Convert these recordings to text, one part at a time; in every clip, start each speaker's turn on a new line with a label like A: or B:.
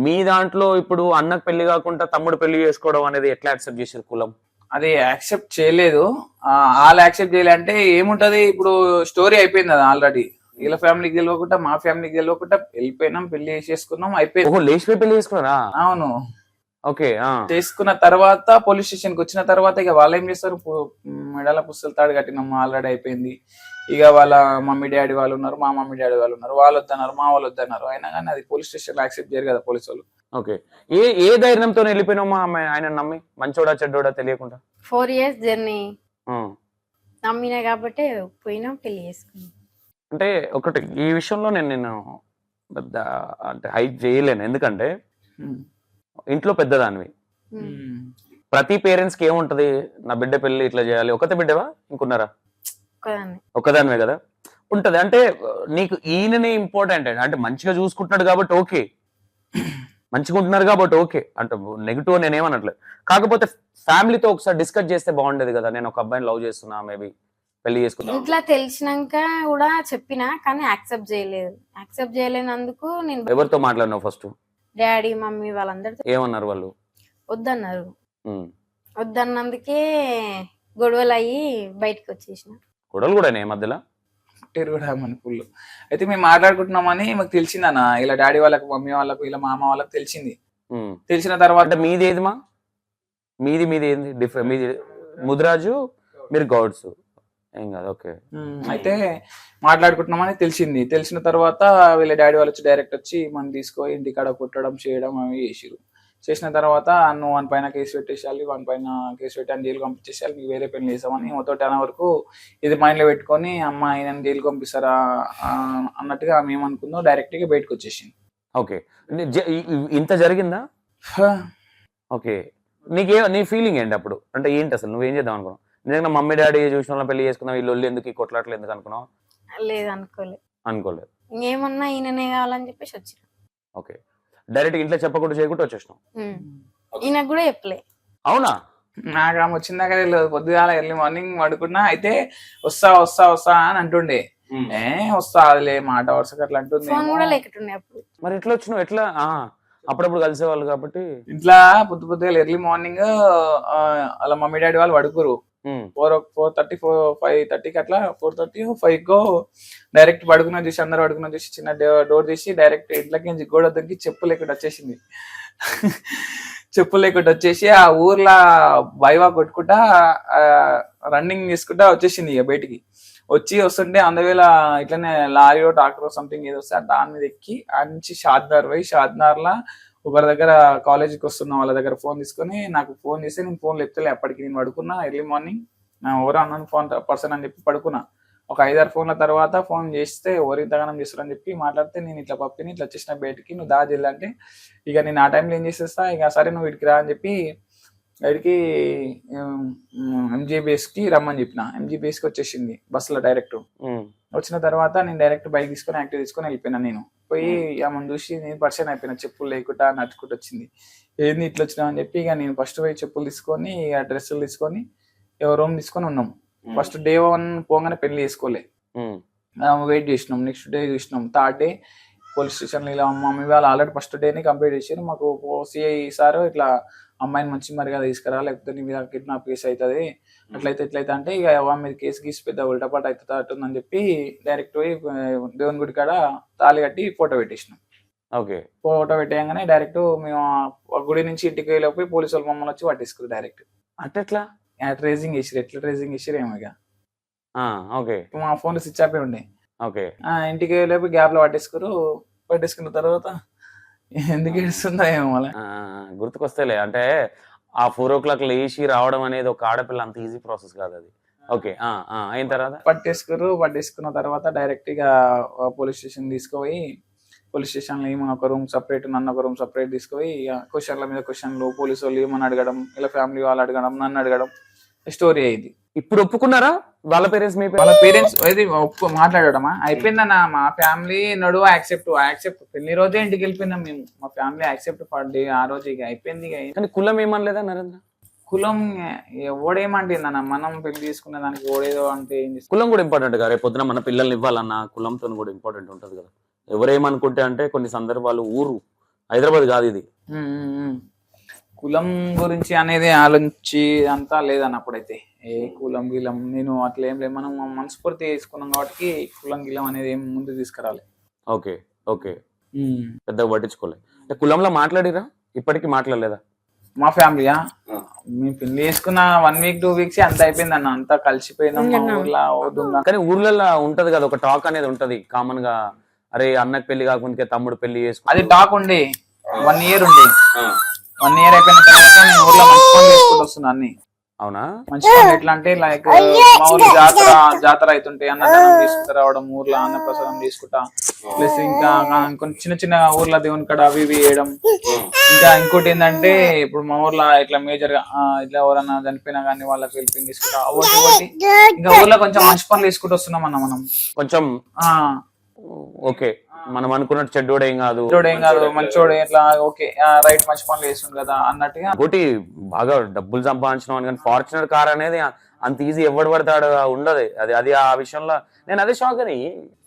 A: మీ దాంట్లో ఇప్పుడు అన్నకు పెళ్లి కాకుండా తమ్ముడు పెళ్లి చేసుకోవడం అనేది ఎట్లా యాక్సెప్ట్ చేశారు కులం?
B: అది యాక్సెప్ట్ చేయలేదు. వాళ్ళు యాక్సెప్ట్ చేయలే అంటే ఏముంటది, ఇప్పుడు స్టోరీ అయిపోయింది కదా ఆల్రెడీ. వీళ్ళ ఫ్యామిలీకి గెలవకుండా మా ఫ్యామిలీకి గెలవకుండా వెళ్ళిపోయినాం, పెళ్లి చేసేసుకున్నాం, అయిపోయింది.
A: ఓహో, లేచిపోయి పెళ్లి చేసుకున్నారా?
B: అవును.
A: ఓకే.
B: చేసుకున్న తర్వాత పోలీస్ స్టేషన్ కి వచ్చిన తర్వాత ఇక వాళ్ళు ఏం చేస్తారు, మెడల పుస్తలు తాడు కట్టినాం, ఆల్రెడీ అయిపోయింది. ఇక వాళ్ళ మమ్మీ డాడీ వాళ్ళు ఉన్నారు, మా మమ్మీ డాడీ వాళ్ళు ఉన్నారు, వాళ్ళు వద్దన్నారు, మా వాళ్ళు వద్దన్నారు. అయినా కానీ అది పోలీస్ స్టేషన్ లో యాక్సెప్ట్ చేయరు కదా పోలీసు వాళ్ళు.
A: ఓకే. ఏ ధైర్యంతో వెళ్ళిపోయినామా ఆయన నమ్మి, మంచోడా చెడ్డోడా తెలియకుండా?
C: 4 years జర్నీ నమ్మినా కాబట్టి పోయినాం, పెళ్లి చేసుకున్నాం.
A: అంటే ఒకటి ఈ విషయంలో నేను పెద్ద అంటే హైప్ చేయలేను, ఎందుకంటే ఇంట్లో పెద్దదానివి. ప్రతి పేరెంట్స్ కి ఏముంటది, నా బిడ్డ పెళ్లి ఇట్లా చేయాలి. ఒకతే బిడ్డవా ఇంకున్నారా? ఒక్కదానివే కదా ఉంటది. అంటే నీకు ఈయననే ఇంపార్టెంట్, అంటే మంచిగా చూసుకుంటున్నాడు కాబట్టి ఓకే, మంచిగా ఉంటున్నారు కాబట్టి ఓకే, అంటే నెగిటివ్ నేనేమనట్లేదు. కాకపోతే ఫ్యామిలీతో ఒకసారి డిస్కస్ చేస్తే బాగుండేది కదా, నేను ఒక అబ్బాయిని లవ్ చేస్తున్నా, మేబీ పెళ్లి చేసుకున్నా.
C: ఇంట్లో తెలిసినాక కూడా చెప్పినా కానీ యాక్సెప్ట్ చేయలేదు. యాక్సెప్ట్ చేయలేనందుకు నేను
A: ఎవరితో మాట్లాడినావు ఫస్ట్?
C: డాడీ మమ్మీ వాళ్ళందరితో.
A: ఏమన్నారు వాళ్ళు?
C: వద్దన్నారు. వద్దన్నందుకే గొడవలు అయ్యి బయటకు వచ్చేసిన.
A: గొడవలు కూడా మధ్యలో
B: కూడా మన ఫుల్ అయితే మేము మాట్లాడుకుంటున్నామని మాకు తెలిసిందన్న. ఇలా డాడీ వాళ్ళకు, మమ్మీ వాళ్ళకు, ఇలా మామ వాళ్ళకు తెలిసింది. తెలిసిన తర్వాత
A: మీది ఏదిమా, మీది ఏంది డిఫరెంట్? మీది ముదిరాజు, మీరు గౌడ్స్, ఏం కాదు. ఓకే.
B: అయితే మాట్లాడుకుంటున్నామని తెలిసింది. తెలిసిన తర్వాత వీళ్ళ డాడీ వాళ్ళు వచ్చి డైరెక్ట్ వచ్చి మనం తీసుకొని ఇంటికాడ కుట్టడం చేయడం అవి చేసిరు. చేసిన తర్వాత నువ్వు వన్ పైన కేసు పెట్టేసేయాలి, వన్ పైన కేసు పెట్టి అని జైలు పంపించేసేయాలి, నీకు వేరే పెళ్లి చేసామని మొత్తం 10 వరకు ఇది మైండ్ లో పెట్టుకొని అమ్మ ఆయన జైలు పంపిస్తారా అన్నట్టుగా మేము అనుకుందాం. డైరెక్ట్ గా బయటకు వచ్చేసింది.
A: ఓకే. ఇంత జరిగిందా? ఓకే. నీ ఫీలింగ్ ఏంటి అప్పుడు? అంటే ఏంటి అసలు నువ్వేం చేద్దాం అనుకున్నావు? నిజంగా మమ్మీ డాడీ చూసిన వాళ్ళ పెళ్లి చేసుకున్నావు, వీళ్ళు ఎందుకు ఈ కొట్లాట్లు ఎందుకు అనుకున్నావు?
C: లేదు, అనుకోలేదు. ఇంకేమన్నా ఈయననే కావాలని చెప్పేసి వచ్చిన.
A: ఓకే. డైరెక్ట్ ఇంట్లో చెప్పకుండా చేయకుండా వచ్చేసినావు?
C: ఈయనకు కూడా చెప్పలే.
A: అవునా?
B: నాకు ఆమె వచ్చిందాక తెలియదు. పొద్దుగాల ఎర్లీ మార్నింగ్ పడుకున్నా. అయితే వస్తా వస్తా వస్తా అని అంటుండే. వస్తా అదిలే మాట వరుసగా అట్లా అంటుంది.
C: మరి
A: ఎట్లా వచ్చినావు? ఎట్లా? అప్పుడప్పుడు కలిసేవాళ్ళు కాబట్టి
B: ఇంట్లో పొద్దుగా ఎర్లీ మార్నింగ్ అలా మమ్మీ డాడీ వాళ్ళు పడుకోరు. 4:30 5:30కి అట్లా 4:30 5కో డైరెక్ట్ పడుకున్నా చూసి, అందరు పడుకున్నా చూసి చిన్న డోర్ తీసి డైరెక్ట్ ఇంట్లోకి గోడ దగ్గర చెప్పులు లేకుండా వచ్చేసింది. చెప్పులు లేకుండా వచ్చేసి ఆ ఊర్లో బైవా కొట్టుకుంటా రన్నింగ్ చేసుకుంటా వచ్చేసింది. ఇక బయటికి వస్తుంటే అందువేళ ఇట్లనే లారీలో ట్రాక్టర్ సంథింగ్ ఏదో వస్తే దాని మీద ఎక్కి ఆ నుంచి షాద్నార్ పోయి, షాద్నార్లా ఒకరి దగ్గర కాలేజీకి వస్తున్న వాళ్ళ దగ్గర ఫోన్ తీసుకొని నాకు ఫోన్ చేస్తే నేను ఫోన్ లేపుతలే. అప్పటికి నేను పడుకున్నా. ఎర్లీ మార్నింగ్ నా ఎవరో అన్నాను ఫోన్ పర్సన్ అని చెప్పి పడుకున్నా. ఒక 5-6 ఫోన్ల తర్వాత ఫోన్ చేస్తే ఎవరికి దగనం చేస్తారని చెప్పి మాట్లాడితే, నేను ఇట్లా పప్పిని ఇట్లా వచ్చేసిన బయటికి, నువ్వు దాజిల్లా అంటే ఇక నేను ఆ టైంలో ఏం చేసేస్తా, ఇక సరే నువ్వు వీడికి రా అని చెప్పి వీడికి MGBSకి రమ్మని చెప్పిన. MGBSకి వచ్చేసింది బస్సులో డైరెక్ట్. వచ్చిన తర్వాత నేను డైరెక్ట్ బైక్ తీసుకొని యాక్టివ్ తీసుకొని వెళ్ళిపోయినా. నేను పోయి ఆమెను చూసి నేను పరిచయం అయిపోయినా. చెప్పులు లేకుండా నడుచుకుంటూ వచ్చింది. ఏంది ఇట్లా వచ్చినావు అని చెప్పి ఇక నేను ఫస్ట్ పోయి చెప్పులు తీసుకొని ఆ డ్రెస్సులు తీసుకొని రూమ్ తీసుకొని ఉన్నాం. ఫస్ట్ డే 1 పోగానే పెళ్లి చేసుకోలే, వెయిట్ చేసినాం. నెక్స్ట్ డే చూసినాం. 3rd డే పోలీస్ స్టేషన్లో ఇలా మమ్మీ వాళ్ళు ఆల్రెడీ ఫస్ట్ డేని కంప్లీట్ చేసారు. మాకు సిఐ సార్ ఇట్లా అమ్మాయిని మంచి మరిగా తీసుకురా, లేకపోతే నీ మీద కిడ్నాప్ కేసు అవుతుంది, అట్లయితే ఎట్లయితే అంటే ఇక మీద కేసు గీసి పెద్ద ఉల్టపాటు అవుతుందని చెప్పి డైరెక్ట్ పోయి దేవుని గుడి కాడ తాళి కట్టి ఫోటో పెట్టేసినాం.
A: ఓకే. ఫోటో
B: పెట్టేయగానే డైరెక్ట్ మేము గుడి నుంచి ఇంటికి వెళ్ళిపోయి పోలీసు వాళ్ళు మమ్మల్ని వచ్చి పట్టేసుకురు డైరెక్ట్.
A: అంటే ఎట్లా
B: ట్రేసింగ్ చేసిరు? ఎట్లా ట్రేసింగ్ చేసిరు ఏమో ఇక.
A: ఓకే.
B: మా ఫోన్ స్విచ్ ఆఫ్ ఉండే.
A: ఓకే.
B: ఇంటికి వెళ్ళిపోయి గ్యాప్ లో పట్టేసుకున్న తర్వాత ఎందుకు ఏడుస్తుందో ఏమో అలా
A: గుర్తుకొస్తేలే. అంటే ఆ 4 o'clock లేచి రావడం అనేది ఒక ఆడపిల్ల అంత ఈజీ ప్రాసెస్ కాదు అది. ఓకే. అయిన తర్వాత
B: పట్టేసుకున్న తర్వాత డైరెక్ట్ గా పోలీస్ స్టేషన్ తీసుకుపోయి, పోలీస్ స్టేషన్ లో ఏమన్నా ఒక రూమ్ సపరేట్, నన్ను ఒక రూమ్ సపరేట్ తీసుకుపోయి క్వశ్చన్ల మీద క్వశ్చన్లు, పోలీసు వాళ్ళు ఏమని అడగడం, ఇలా ఫ్యామిలీ వాళ్ళు అడగడం, నన్ను అడగడం, స్టోరీ అయింది.
A: ఇప్పుడు ఒప్పుకున్నారా వాళ్ళ పేరెంట్స్?
B: వాళ్ళ పేరెంట్స్ మాట్లాడడమా అయిపోయిందన్న. మా ఫ్యామిలీ నడువ యాక్సెప్ట్ పెళ్లి రోజే ఇంటికి వెళ్ళిపోయినాం మేము. మా ఫ్యామిలీ యాక్సెప్ట్ పడ్డే ఆ రోజు ఇక అయిపోయింది.
A: కానీ కులం ఏమనలేదా నరేంద్ర?
B: కులం ఓడేమంటుందన్న, మనం పెళ్లి తీసుకునే దానికి ఓడేదో అంటే ఏం చేస్తాం.
A: కులం కూడా ఇంపార్టెంట్ కదా, రేపు పొద్దున మన పిల్లల్ని ఇవ్వాలన్నా కులంతో కూడా ఇంపార్టెంట్ ఉంటుంది కదా. ఎవరేమనుకుంటే అంటే కొన్ని సందర్భాలు ఊరు హైదరాబాద్ కాదు ఇది.
B: కులం గురించి అనేది ఆలోచించి అంతా లేదన్న అప్పుడైతే ఏ కులం గిలం నేను అట్లా ఏం లేదు, మనం మనస్ఫూర్తి వేసుకున్నాం కాబట్టి కులం గిలం అనేది ఏం ముందు తీసుకురాలి.
A: ఓకే ఓకే, పెద్దగా పట్టించుకోలేదు. అంటే కులంలో మాట్లాడిరా? ఇప్పటికీ మాట్లాడలేదా?
B: మా ఫ్యామిలీయా మేము పెళ్లి చేసుకున్న 1 week 2 weeks అంత అయిపోయింది అన్న, అంతా కలిసిపోయినాం మా ఊర్లో వద్దున్నా.
A: కానీ ఊర్లలో ఉంటది కదా ఒక టాక్ అనేది ఉంటది కామన్ గా, అరే అన్నకి పెళ్లి కాకుండా తమ్ముడు పెళ్లి చేసుకుని
B: అది టాక్ ఉండి 1 year ఉండి 1 year అయిపోయిన తర్వాత నేను ఊర్లో మంచి పనులు చేసుకుంటూ వస్తున్నా అన్ని.
A: అవునా?
B: మంచి పనులు ఎట్లా అంటే లైక్ మా ఊర్లో జాతర అవుతుంటే అన్నదానం తీసుకుంటూ రావడం, ఊర్లో అన్నప్రసాదం తీసుకుంటా, ప్లస్ ఇంకా కొన్ని చిన్న చిన్న ఊర్లో దేవుని కాడ అవి ఇవి వేయడం. ఇంకా ఇంకోటి ఏంటంటే ఇప్పుడు మా ఊర్లో ఇట్లా మేజర్ గా ఇట్లా ఎవరన్నా చనిపోయినా కానీ వాళ్ళకి హెల్పింగ్ తీసుకుంటా ఒకటి. ఇంకా ఊర్లో కొంచెం మంచి పనులు తీసుకుంటూ వస్తున్నాం అన్న మనం
A: కొంచెం. ఓకే, మనం అనుకున్నట్టు చెడ్డోడు ఏం కాదు,
B: మంచోడు ఇట్లా ఓకే రైట్ మంచి పనులు చేస్తుంది కదా అన్నట్టుగా.
A: ఒకటి బాగా డబ్బులు సంపాదించడం కానీ ఫార్చునర్ కార్ అనేది అంత ఈజీ ఎవడు పడతాడు ఉండదు. అది ఆ విషయంలో నేను అదే షాక్ అని.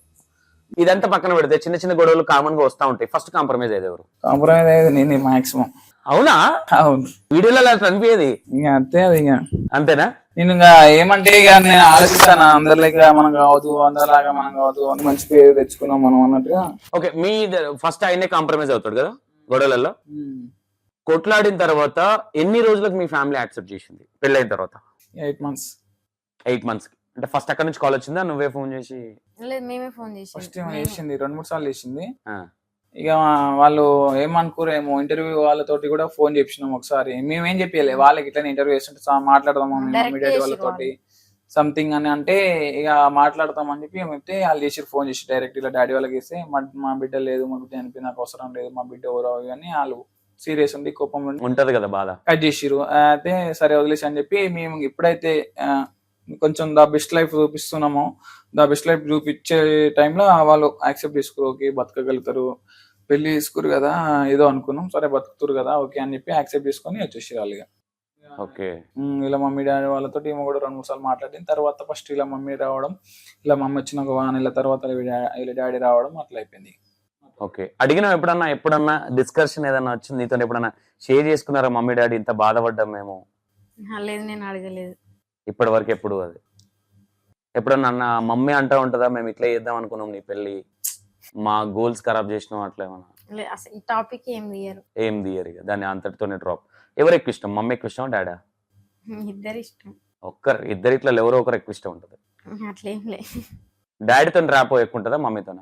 A: ఇదంతా పక్కన పెడితే చిన్న చిన్న గొడవలు కామన్ గా వస్తా ఉంటాయి. ఫస్ట్ కాంప్రమైజ్ అయ్యేది ఎవరు?
B: కాంప్రమైజ్ అయ్యేది నేనే మాక్సిమం.
A: అవునా?
B: అవును,
A: వీడియోలో అలా అనిపించేది.
B: ఇంకా అంతే, అది ఇంకా
A: అంతేనా?
B: నేను ఇంకా ఏమంటే ఇక నేను ఆలోచిస్తాను అందరిలాగా మనం కావద్దు, అందరిలాగా మనం కావద్దు, మంచి పేరు తెచ్చుకున్నాం మనం అన్నట్టుగా.
A: ఓకే, మీ ఫస్ట్ ఆయనే కాంప్రమైజ్ అవుతాడు కదా గొడవలలో. కొట్లాడిన తర్వాత ఎన్ని రోజులకు మీ ఫ్యామిలీ యాక్సెప్ట్ చేసింది పెళ్ళైన తర్వాత?
B: 8 months.
A: 8 months అంటే ఫస్ట్ అక్కడ నుంచి కాల్ వచ్చిందా? నువ్వే ఫోన్ చేసి?
C: లేదు, మేమే ఫోన్
B: ఫస్ట్ చేసింది 2-3 సార్లు చేసింది.
A: ఆ,
B: ఇక వాళ్ళు ఏమనుకోరేమో, ఇంటర్వ్యూ వాళ్ళతోటి కూడా ఫోన్ చేపించినాం ఒకసారి. మేమేం చెప్పలే వాళ్ళకి, ఇట్లా ఇంటర్వ్యూ చేస్తుంటే మాట్లాడదాం మమ్మీ డాడీ వాళ్ళతోటి సంథింగ్ అని అంటే ఇక మాట్లాడతామని చెప్పి చెప్తే వాళ్ళు చేసి ఫోన్ చేసి డైరెక్ట్ ఇలా డాడీ వాళ్ళకి వేస్తే మా బిడ్డ లేదు, మా బిడ్డ అనిపి నాకు అవసరం లేదు, మా బిడ్డ ఎవరో అని వాళ్ళు సీరియస్ ఉండి కోపం
A: ఉంటది కదా బాధ,
B: కట్ చేసిరు. అయితే సరే వదిలేసి అని చెప్పి మేము ఇప్పుడైతే కొంచెం ద బెస్ట్ లైఫ్ చూపిస్తున్నామో, ద బెస్ట్ లైఫ్ చూపించే టైంలో వాళ్ళు యాక్సెప్ట్ చేసుకోరు, ఓకే బతకగలుగుతారు, పెళ్లి చేసుకోరు కదా ఏదో అనుకున్నాం, సరే బతుకుతారు కదా ఓకే అని చెప్పి యాక్సెప్ట్ చేసుకొని వచ్చేసి వాళ్ళు.
A: ఓకే,
B: ఇలా మమ్మీ డాడీ వాళ్ళతో ఏమో కూడా 2-3 సార్లు మాట్లాడిన తర్వాత ఫస్ట్ ఇలా మమ్మీ రావడం, ఇలా మమ్మీ వచ్చిన ఒక 1 నెల తర్వాత ఇలా డాడీ రావడం అట్లా అయిపోయింది.
A: ఓకే, అడిగినా ఎప్పుడన్నా డిస్కషన్ ఏదన్నా వచ్చింది నీతో? ఎప్పుడన్నా షేర్ చేసుకున్నారా మమ్మీ డాడీ ఇంత బాధపడ్డాం మేము?
C: లేదు, నేను అడగలేదు
A: ఇప్పటి వరకు. ఎప్పుడు అది ఎప్పుడన్నా అన్న మమ్మీ అంటా ఉంటుందా, మేము ఇట్లా చేద్దాం అనుకున్నాం నీ పెళ్లి, మా గోల్స్ ఖరాబ్ చేసినాం అట్లా ఏమన్నా?
C: అసలు ఈ టాపిక్ ఏం తీయరు
A: ఇక దాన్ని అంతటితోనే డ్రాప్. ఎవరు ఎక్కువ ఇష్టం, మమ్మీ ఎక్కువ ఇష్టం డాడా?
C: ఇద్దరు ఇష్టం.
A: ఇద్దరిట్లో ఎవరో ఒకరు ఎక్కువ ఇష్టం ఉంటుంది.
C: అట్లేం లే.
A: డాడీతో ర్యాపో ఎక్కువ ఉంటుందా మమ్మీతోనా?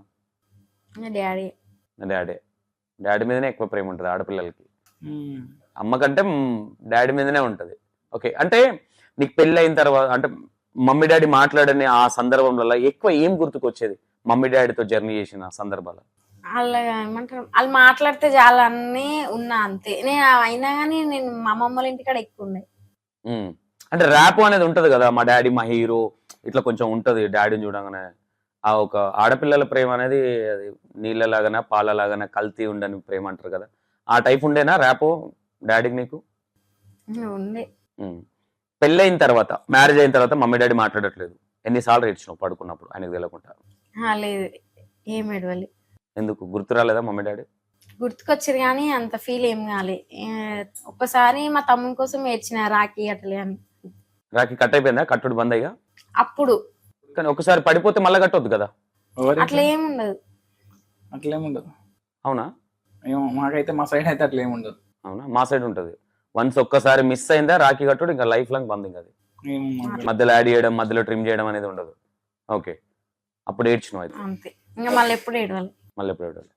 A: డాడీ మీదనే ఎక్కువ ప్రేమ ఉంటుంది ఆడపిల్లలకి. అమ్మ కంటే డాడీ మీదనే ఉంటది. ఓకే, అంటే నీకు పెళ్లి అయిన తర్వాత అంటే మమ్మీ డాడీ మాట్లాడని ఆ సందర్భంలో ఎక్కువ ఏం గుర్తుకొచ్చేది మమ్మీ డాడీతో జర్నీ చేసిన సందర్భాలు?
C: వాళ్ళు ఏమంటారు, వాళ్ళు మాట్లాడితే చాలా అన్ని ఉన్నా అంతే. నేను అయినా కానీ నేను మా అమ్మమ్మ వాళ్ళ ఇంటికాడ ఎక్కువ ఉండే.
A: అంటే ర్యాప్ అనేది ఉంటది కదా, మా డాడీ మా హీరో ఇట్లా కొంచెం ఉంటది. డాడీని చూడగానే ఆ ఒక ఆడపిల్లల ప్రేమ అనేది అది నీళ్ళలాగానే పాలలాగానే కల్తీ ఉండని ప్రేమ అంటారు కదా, ఆ టైప్ ఉండేనా ర్యాపో డాడీకి నీకు?
C: ఉండే.
A: పెళ్ళైన తర్వాత మ్యారేజ్ అయిన తర్వాత మమ్మీ డాడీ మాట్లాడట్లేదు, ఎన్నిసార్లు ఏడ్చినావు పడుకున్నప్పుడు ఆయనకు తెలియకుండా?
C: లేదు, ఏం ఎడవాలి.
A: ఎందుకు గుర్తు రాలేదా మమ్మీ డాడీ?
C: గుర్తుకొచ్చారు కానీ అంత ఫీల్ ఏం కాలే. ఒక్కసారి మా తమ్ముని కోసం ఏడ్చిన రాఖీ అట్లే అని.
A: రాఖీ కట్ అయిపోయిందా, కట్టుడు బంద్ అయ్యా
C: అప్పుడు?
A: కానీ ఒకసారి పడిపోతే మళ్ళీ కట్టొద్దు కదా?
C: అట్లా ఏముండదు.
B: అట్లేముండదు.
A: అవునా?
B: మాకైతే మా సైడ్ అయితే అట్లా ఏముండదు.
A: అవునా? మా సైడ్ ఉంటది. వన్స్ ఒక్కసారి మిస్ అయిందా రాఖీ కట్టుడు ఇంకా లైఫ్ లాంగ్ బంద్. ఇంకా అది మధ్యలో యాడ్ చేయడం మధ్యలో ట్రిమ్ చేయడం అనేది ఉండదు. ఓకే, అప్పుడు ఏడ్చినావు అయితే?
C: అంతే, ఇంకా మళ్ళీ ఎప్పుడు ఏడవాలి.